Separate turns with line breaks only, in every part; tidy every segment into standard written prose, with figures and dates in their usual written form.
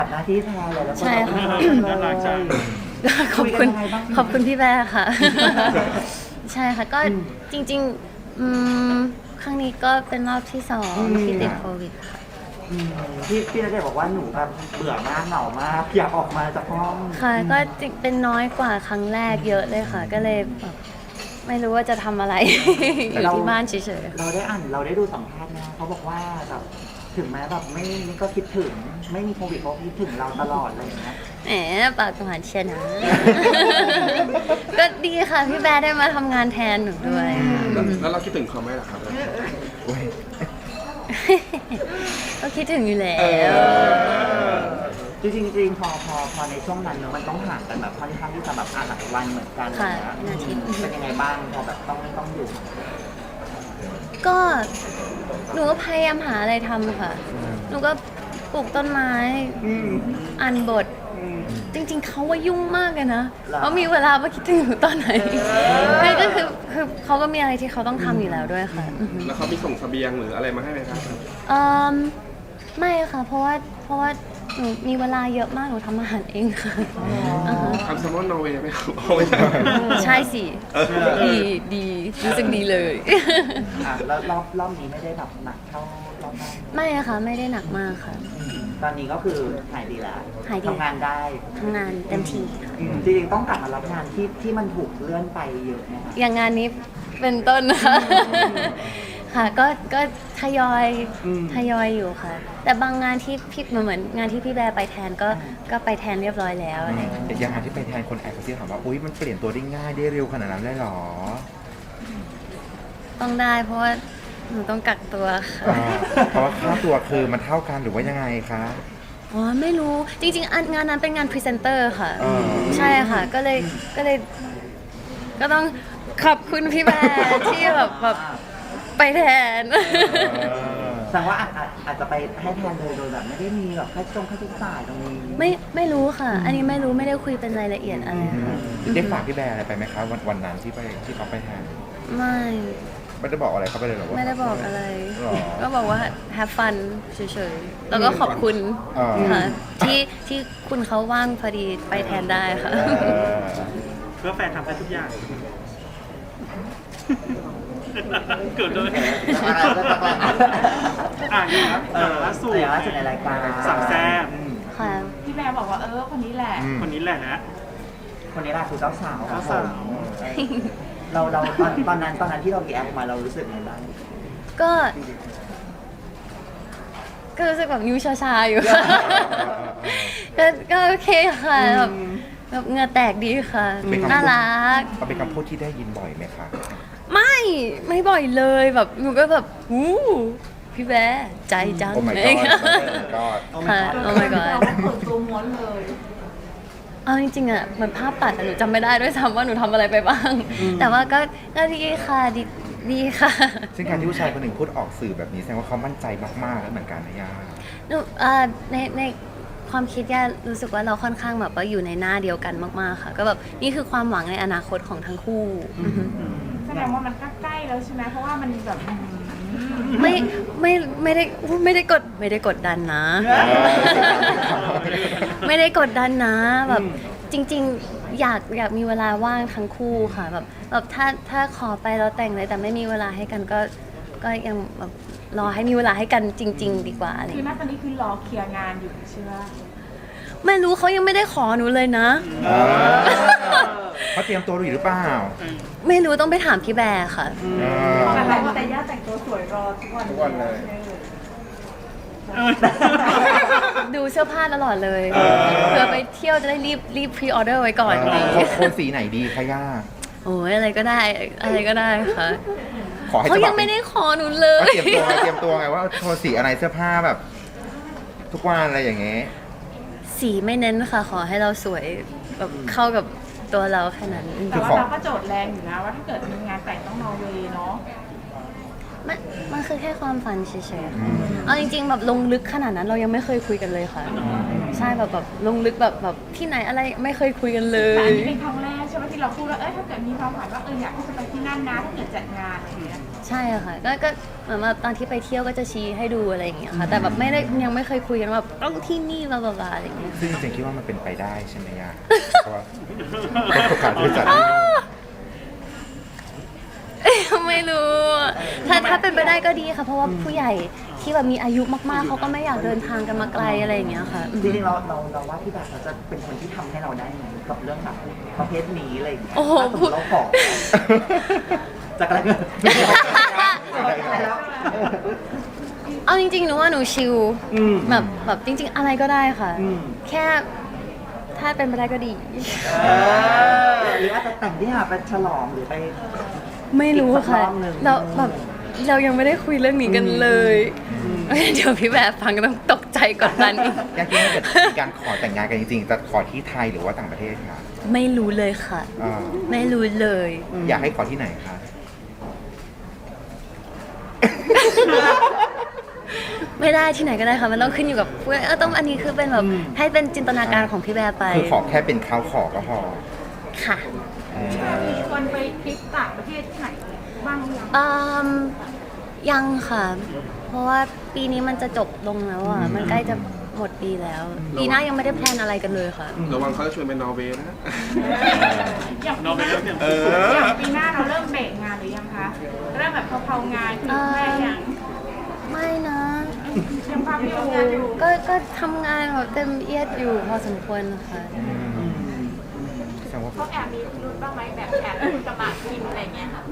หน้าที่แทนเลยแล้วก็
ใช่ค่ะ
น่ารักจัง
ขอบคุณ
คุยกันยังไงบ้าง
ขอบคุณพี่แบร์ค่ะ ใช่ค่ะก็จริงๆครั้งนี้ก็เป็นรอบที่สองที่ติดโควิดค่ะ
พี่ณเดชน์บอกว่าหนูแบบเบื่อมากเหงามากอยากออกมาจากห้อง
ค่ะก็จริงเป็นน้อยกว่าครั้งแรกเยอะเลยค่ะ ก็เลยแบบไม่รู้ว่าจะทำอะไร อยู่ที่บ้านเฉยๆ
เราได้อ่านเราได้ดูสัมภาษณ์นะเขาบอกว่าแบบถึงแม้แบบไม่ก็คิดถึงไม่มีโควิดเขาคิดถึงเราตลอดอะไรอย่างเงี้ย
แหมปากหวานเชียร์นะ ก็ดีค่ะพี่แบร์ได้มาทำงานแทนหนูด้วย
แล้วเราคิดถึงเขาไหมล่ะครับ
ก็คิดถึงอยู่แล้ว
จริงๆพอในช่วงนั้นเนอะมันต้องห่างกันแบบค่อนข้างที่จะแบบหลายวันเหมือนกัน
ค่ะ
นะ
เป็นอาทิตย์
เป็นยังไงบ้างพอแบบต้องอยู่
ก็หนูก็พยายามหาอะไรทำค่ะ หนูก็ปลูกต้นไม้อ่านบท จริงๆเขาว่ายุ่งมากเลยนะเขามีเวลามาคิดถึงหนูตอนไหนไม่ก็คือเขาก็มีอะไรที่เขาต้องทำอยู่แล้วด้วยค่ะ
แล้วเขามีส่งเสบียงหรืออะไรมาให้ไหมครับ
เอิ่มไม่ค่ะ เพราะว่าหนูมีเวลาเยอะมากหนูทำอาหารเองค่ะาฮะ
ทำแซลมอนนอร์เวย์ไหมครับเอาไม่ใช่
ใช่สิดีรู้สึกดีเลย
แล้วรอบนี้ไม่ได้แบบหนักเท่ารอบแรก
ไม่อะค่ะไม่ได้หนักมากค่ะ
ตอนนี้ก็คือหายดีแล้ว
หายดี
ทำงานได้
ทำงานเต็มที่ค่ะ
จริงๆต้องกลับมารับงานที่มันถูกเลื่อนไปเยอะนะคะ
อย่างงานนี้เป็นต้นนะคะ ค่ะก็ทยอยอยู่ค่ะ แต่บางงานที่พี่เหมือนงานที่พี่แบร์ไปแทนก็ไปแทนเรียบร้อยแล้วอะไรอย่างเงี้ย
แต่อย่างที่ไปแทนคนแอบกระซิบถามว่าอุ้ยมันเปลี่ยนตัวได้ง่ายได้เร็วขนาดนั้นเลยเหรอ
ต้องได้เพราะว่าหนูต้องกักตัวค่ะ
เพราะว่าค่าตัวคือมันเท่ากันหรือว่ายังไงคะ
อ๋อไม่รู้จริงๆงานนั้นเป็นงานพรีเซนเตอร์ค่ะ
อ๋อ
ใช่ค่ะ ก็เลยก็ต้องขอบคุณพี่แบร์ที่แบบไปแทน
แสดงว่าอาจจะไปให้แทนโดยแบบไม่ได้มีแบบค่าใช้จ่ายตรงนี้
ไม่รู้ค่ะ อันนี้ไม่รู้ไม่ได้คุยเป็นรายละเอียดอะไรค่ะ
ได้ฝากพี่แบร์อะไรไปไหมคะวันนั้นที่เขาไปแทน
ไม่
ไม่ได้บอกอะไรเขาไปเลยเหรอว่า
ไม่ได้บอกอะไร
หรอ
ก็บอกว่า have fun เฉยๆ แล้วก็ขอบคุณ
อ๋อ
ค่ะที่คุณเขาว่างพอดีไปแทนได้ค่ะ
เออ
เพื่อแฟนทำได้ทุกอย่าง เกิดเลย
อะไรก็ต้อง
อ่านครับล่าสุด
ล่าสุดในรายการ
สามแซ่บ
ค่ะ
พี่แบร์บอกว่าคนนี้แหละ
คนนี้แหละนะ
คนนี้แหละคือเจ้าสาว
เจ้าสาว
เราตอนนั้นที่เรารีแอคมาเรารู้สึกไงบ้าง
ก็รู้สึกแบบนิ้วชาๆอยู่ ค่ะ ก็โอเคค่ะแบบเหงื่อแตกดีค่ะ น่ารัก
เอาเป็นคำพูดที่ได้ยินบ่อยไหมคะ
ไม่บ่อยเลยแบบหนูก็แบบพี่แบร์ใจจัง
โอ้ my
เล
god
ย
ก็
ค่ะ โอ้ my god
เราเปิดตัวม้วนเลย
เอาจริงๆอะมันภาพตัดอะหนูจำไม่ได้ด้วยซ้ำว่าหนูทำอะไรไปบ้าง แต่ว่าก็ดีค่ะดีค่ะ
ซึ่งการที่ผู้ชายคนหนึ่งพูดออกสื่อแบบนี้แสดงว่าเขามั่นใจมากๆแล้วเหมือนกันนะย่า
หนูในความคิดย่ารู้สึกว่าเราค่อนข้างแบบว่าอยู่ในหน้าเดียวกันมากๆค่ะ ก็แบบนี่คือความหวังในอนาคตของทั้งคู่
แสดงว่ามันก็ใกล้แล้วใช่ไหมเพราะว่ามันแบบ
ไม่ได้กดดันนะ ไม่ได้กดดันนะแบบจริงๆอยากมีเวลาว่างทั้งคู่ค่ะแบบถ้าขอไปเราแต่งเลยแต่ไม่มีเวลาให้กันก็ยังแบบรอให้มีเวลาให้กันจริง ๆ ดีกว่าอะไรอย่าง
คือ
เงี้ย
ณตอนนี้คือรอเคลียร์งานอยู่ใช่ไหม
ไม่รู้เขายังไม่ได้ขอหนูเลยนะ
เขาเตรียมตัวอยู่หรือเปล่า
ไม่รู้ต้องไปถามพี่แบร์ค่ะ
แต่ย่าแต่งตัวสวยรอทุกวัน
ทุกวันเลย
ดูเสื้อผ้าตลอดเลยเพื่อไปเที่ยวจะได้รีบพรีออเดอร์ไว้ก่อนอะไรอย่างเงี้ย
โทนสีไหนดีคะย่า
โอ้ยอะไรก็ได้ค่ะ
ขอให้
เขา
ฉบับ
ยังไม่ได้ขอหนูเล
เขา
ย
เตรียมตัวไงว่าโทนสีอะไรเสื้อผ้าแบบ ทุกวันอะไรอย่างเงี้ย
สีไม่เน้นค่ะ ขอให้เราสวยแบบเข้ากับตัวเราแค่นั้น
แต่ว่าเราก็โจทย์แรงอยู่นะว่าถ้าเกิดมีงานแต่งต้องนอร์เวย์เนาะ
มันคือแค่ความฝันเฉยๆค่ะเอาจริงๆแบบลงลึกขนาดนั้นเรายังไม่เคยคุยกันเลยค่ะ ใช่แบบลงลึกแบบที่ไหนอะไรไม่เคยคุยกันเล
แต่อัน
ย
นี้เป็นครั้งแรกใช่ไหมที่เราพูดว่าถ้าเกิดมีความฝันว่าอยากที่จะไปที่นั่นนะถ้าเกิดจัดงานอะไรอย่างเงี้ย
ใช่ค่ะก็เหมือนแบบตอนที่ไปเที่ยวก็จะชี้ให้ดูอะไรอย่างเงี้ยค่ะ แต่แบบไม่ได้ยังไม่เคยคุยกันว่าแบบต้องที่นี่บลาบลาอะไรอย่างเงี้ย
ซึ่งจริงๆคิดว่ามันเป็นไปได้ใช่ไหมย่าเพราะว่าโอกาสที่จะจัด
ไม่รู้ถ้าเป็นไปได้ก็ดีค่ะ เพราะว่าผู้ใหญ่ที่แบบมีอายุมากๆเขาก็ไม่อยากเดินทางกันมาไกลอะไรอย่างเงี้ยค่ะ
จริงๆเราว่าพี่แบบเขาจะเป็นคนที่ทำให้เราได้ไหมกับเรื่องแบบประเภทนี้อะไรอย่างเงี้ย
โอ้โห
ถ้าสมมติเราขอจากอะไรเงินแล้ว
เอาจริงๆหนูว่าหนูชิลแบบจริง ๆ อะไรก็ได้ค่ะ แค่ถ้าเป็นไปได้ก็ดี
หรืออาจจะแต่งที่หาไปฉลองหรือไป
ไม่รู้ค่ะ
อีกสักรอบหนึ่ง
เรายังไม่ได้คุยเรื่องนี้กันเลยเดี๋ยวพี่แบบฟังก็ต้องตกใจกดดันอีก
ย่าคิดว่าเกิดมีการขอแต่งงานกันจริงๆจะขอที่ไทยหรือว่าต่างประเทศคะ
ไม่รู้เลยค่ะ
อ่า
ไม่รู้เลย
อยากให้ขอที่ไหนคะ
ไม่ได้ที่ไหนก็ได้ค่ะ มันต้องขึ้นอยู่กับต้องอันนี้คือเป็นแบบให้เป็นจินตนาการของพี่แบบไป
คือขอแค่เป็นเขาขอก็พอ
ค่ะ
มีชวนไปทริปต่างประเทศที่ไหนบ้างหรือยัง
ยังค่ะ เพราะว่าปีนี้มันจะจบลงแล้วอ่ะ มันใกล้จะหมดปีแล้ว ปีหน้ายังไม่ได้แพลนอะไรกันเลยค่ะ
ระวังเขาจะชวนไปนอร์เวย์นะ
อย่าง
เราไปเริ่มเตรียม
เอ
ตัว
อ
อย่างปีหน้าเราเริ่มเบรกงานหรือยังคะ เริ่มแบบเพลางานถึงแค่ยัง
ไม่นะ
ยังพักอยู่
ก็ทำงานแบบเต็มเอียดอยู่พอสมควรค่ะ
แสดงว่า
เขาแอบมีพิรุธบ้างไหมแบบแอบสมัครกินอะไรเงี้ยค่ะ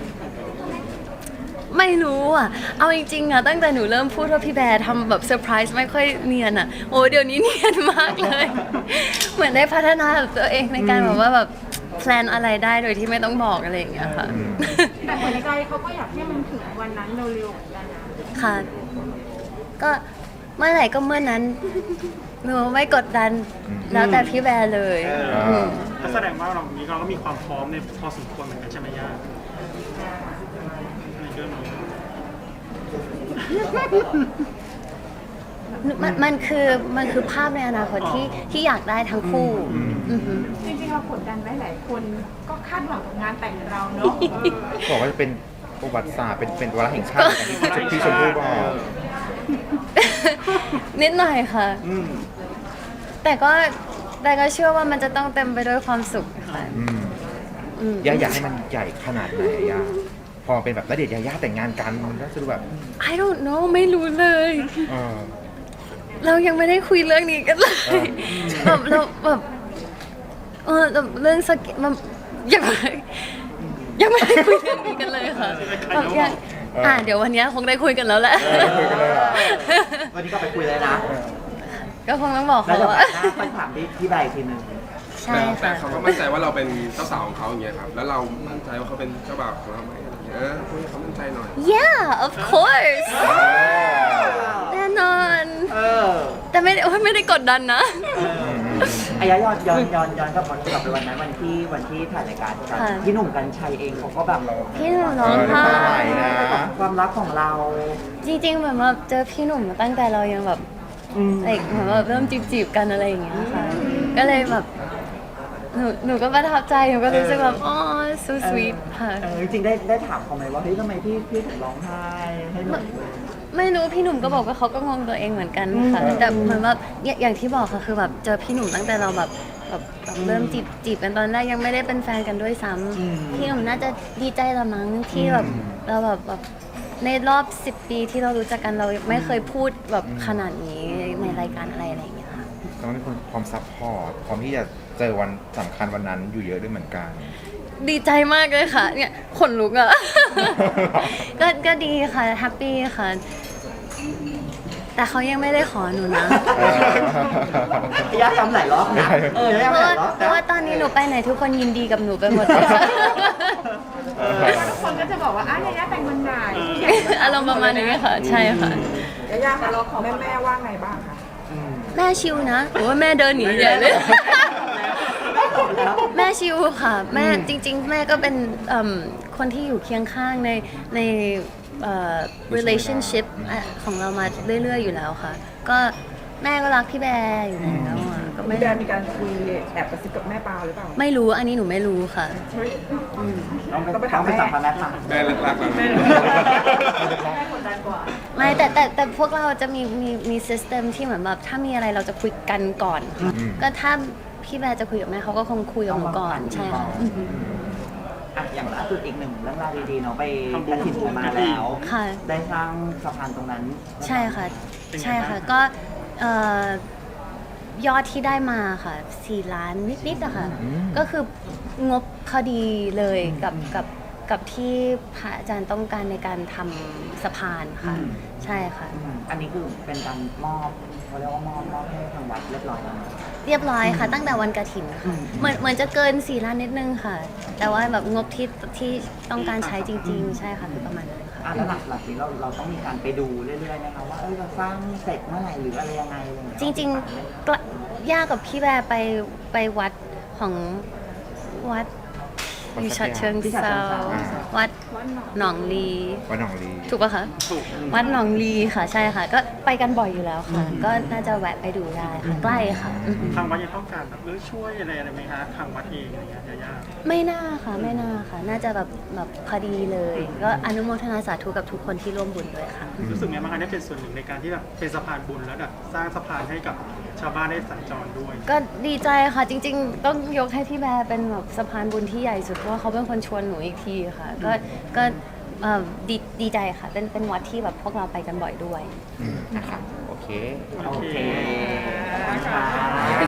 ไม่รู้อ่ะ เอาจริงๆอ่ะตั้งแต่หนูเริ่มพูดว่าพี่แบร์ทำแบบเซอร์ไพรส์ไม่ค่อยเนียนอ่ะ โอ้เดี๋ยวนี้เนียนมากเลย เหมือนได้พัฒนาตัวเองในการแบบว่าแบบแพลนอะไรได้โดยที่ไม่ต้องบอกอะไรอย่างเงี้ยค่ะ
แต่หัวใจเขาก็อยากให้มันถึงวันนั้นเร็วๆเหมือนกันนะ
ค่ะ ก็เมื่อไหร่ก็เมื่อนั้น หนูไม่กดดัน แล้วแต่พี่แบร์เลยม
ก็แสดงว่าเรานี้เราก็มีความพร้อมในพอสมควรเหมือนกันใช่ไหมย่าในเรื่องนี้
มันคือภาพในอนาคตที่อยากได้ทั้งคู่อือหือ
จริงๆเรากดดันไหมหลายคนก็คาดหวังกับงานแต่งเราเนาะ
บอกว่าจะเป็นประวัติศาสตร์เป็นวาระแห่งชาติอย่างที่ชมพู่บอก
นิดหน่อยค่ะ แต่ก็เชื่อว่ามันจะต้องเต็มไปด้วยความสุขค่ะ
ย่าอยากให้มันใหญ่ขนาดไหนอะย่าพอเป็นแบบณเดชน์ยาย่าแต่งงานกันมันก็จะดูแบบ
I don't know ไม่รู้เลย
เออ
เรายังไม่ได้คุยเรื่องนี้กันเลยแบบเราแบบแบบเรื่องสกิมันยังไม่ได้คุยเรื่องนี้กันเลยค่ะแบบยังเดี๋ยววันนี้คงได้คุยกันแล้วแหละ
คุยกันเลยเหรอ
วันนี้ก็ไปคุยเลยนะ
ก็คงต้องบอก
แล้ว
เขา
จะ
ว่า
หน้าค่อยถามพี่ใบทีนึง
ใช่
แต่
ค่ะ
เขาก็มั่นใจว่าเราเป็นเจ้าสาวของเขาอย่างเงี้ยครับ แล้วเรามั่นใจว่าเขาเป็นเจ้าบ่าวของเราไหมอะไรอย่างเงี้ยพูดให้เขามั่นใจหน่อย
Yeah of course แน่นอน แต่ไม่ได้กดดันนะ
อายะย้อนกลับไปวันนั้นวันที่ถ่ายรายการกัน
ค่ะ
พี่หนุ่มกัญชัยเองเขาก็แบบ
พี่หนุ่มร้องไห้
นะ
ความรักของเรา
จริงๆเหมือนแบบเจอพี่หนุ่มมาตั้งแต่เรายังแบบเหมือนแบบเริ่มจีบกันอะไรอย่างเงี้ยค่ะ ก็เลยแบบหนูก็ประทับใจหนูก็รู้สึกแบบอ๋อ so sweet ค่ะ
จริงๆได้ถามเขาไหมว่าเฮ้ยทำไมพี่ถึงร้องไห้ให้หนุ่ม
ไม่รู้พี่หนุ่มก็บอกว่าเขาก็งงตัวเองเหมือนกันค่ะ แต่เหมือนแบบอย่างที่บอกค่ะคือแบบเจอพี่หนุ่มตั้งแต่เราแบบเริ่มจีบกันตอนแรกยังไม่ได้เป็นแฟนกันด้วยซ้ำพี่หนุ่มน่าจะดีใจละมั้งที่แบบเราแบบในรอบ10 ปีที่เรารู้จักกันเราไม่เคยพูดแบบขนาดนี้ในรายการอะไรอย่างเงี้ยค่ะ
ต้องมีคนความซัพพอร์ตพร้อมที่จะเจอวันสำคัญวันนั้นอยู่เยอะด้วยเหมือนกัน
ดีใจมากเลยค่ะ เนี่ยขนลุกอ่ะ ก็ดีค่ะแฮปปี้ค่ะ แต่เขายังไม่ได้ขอหนูนะ
ยาทำหลายรอบนะยา
เพ
ทำ
ราะ
ห
ว่า
ลายรอบ
เพราะว่าตอนนี้หนูไปไหนทุกคนยินดีกับหนูไปหมดเลย
ทุกคนก็จะบอกว่าอ้าวยายาแต่งวันไหน
อารมณ์ประมาณนี้ค่ะ ใช่ค่ะ
ยายาค่ะเราของแม่ว่าไงบ้างคะ
แม่ชิวนะหรือว่าแม่เดินหนีใหญ่เลย แม่ชิวค่ะ แม่จริง ๆ แม่ก็เป็นคนที่อยู่เคียงข้างในrelationship ของเรามาเรื่อยๆอยู่แล้วค่ะ ก็แม่ก็รักพี่แบร์อยู่แล้วอ่ะก็
พี่แบร์มีการคุยแอบกระซิบกับแม่ปลาหรือเปล่า
ไม่รู้อันนี้หนูไม่รู้ค่ะ
ต้องไปถามแม่ค่ะ
แม่รักๆเรา
ไม่แต่พวกเราจะมีซิสเต็มที่เหมือนแบบถ้ามีอะไรเราจะคุยกันก่อนค่ะก็ถ้าพี่แบร์จะคุยกับแม่เขาก็คงคุยกับหนูก่อนใช่ค่ะ
อ่ะอย่างล่าสุดอีกหนึ่งเรื่องราวดีๆเนาะไปกระถิ่นกันมาแล้ว
ค่ะ
ได้สร้างสะพานตรงนั้น
ใช่ค่ะใช่ค่ะก็ยอดที่ได้มาค่ะ4 ล้านนิดๆอะค่ะก็คืองบพอดีเลยกับที่พระอาจารย์ต้องการในการทำสะพานค่ะใช่ค่ะ
อันนี้คือเป็นการมอบเขาเรียกว่ามอบให้ทางวัดเรียบร้อยแล้วเนอะ
เรียบร้อยค่ะ ตั้งแต่วันกฐินค่ะเหมือนจะเกิน4 ล้านนิดนึงค่ะ แต่ว่าแบบงบที่ต้องการใช้จริง ๆ ใช่ค่ะคือประมาณนั้นค่ะ
แล้วหลักๆนี้เราต้องมีการไปดูเรื่อยๆนะคะว่าเราสร้างเสร็จเมื่อไหร่หรืออะไรยังไงอะไรอย่างเงี้ย
จริงๆย่ากับพี่แบร์ไปวัดของวัดอยู่ฉะเชิงเซาวัดหนองลี
ว่าน้องลี
ถูกปะคะ
ถูก
วัดหนองลีค่ะใช่ค่ะ ก็ไปกันบ่อยอยู่แล้วค่ะ ก็น่าจะแวะไปดูได้ค่ะใกล้ค่ะ
ทางวัดยังต้องการแบบช่วยอะไรไหมคะทางวัดเองอะไรเงี้ยยา
ไม่น่าค่ะไม่น่าค่ะ น่าจะแบบพอดีเลย ก็อนุโมทนาสาธุกับทุกคนที่ร่วมบุญด้วยค่ะ
รู้สึกไงบ้างคะได้เป็นส่วนหนึ่งในการที่แบบเป็นสะพานบุญแล้วแบบสร้างสะพานให้กับชาวบ้านได้สัญจรด้วย
ก็ดีใจค่ะจริงๆ ต้องยกให้พี่แบร์เป็นแบบสะพานบุญที่ใหญ่สุดเพราะว่าเขาเป็นคนชวนหนูอีกทีค่ะ ก็ดีใจค่ะเป็นวัดที่แบบพวกเราไปกันบ่อยด้วย
นะครับโอเค
โอเคขอบคุณค่ะ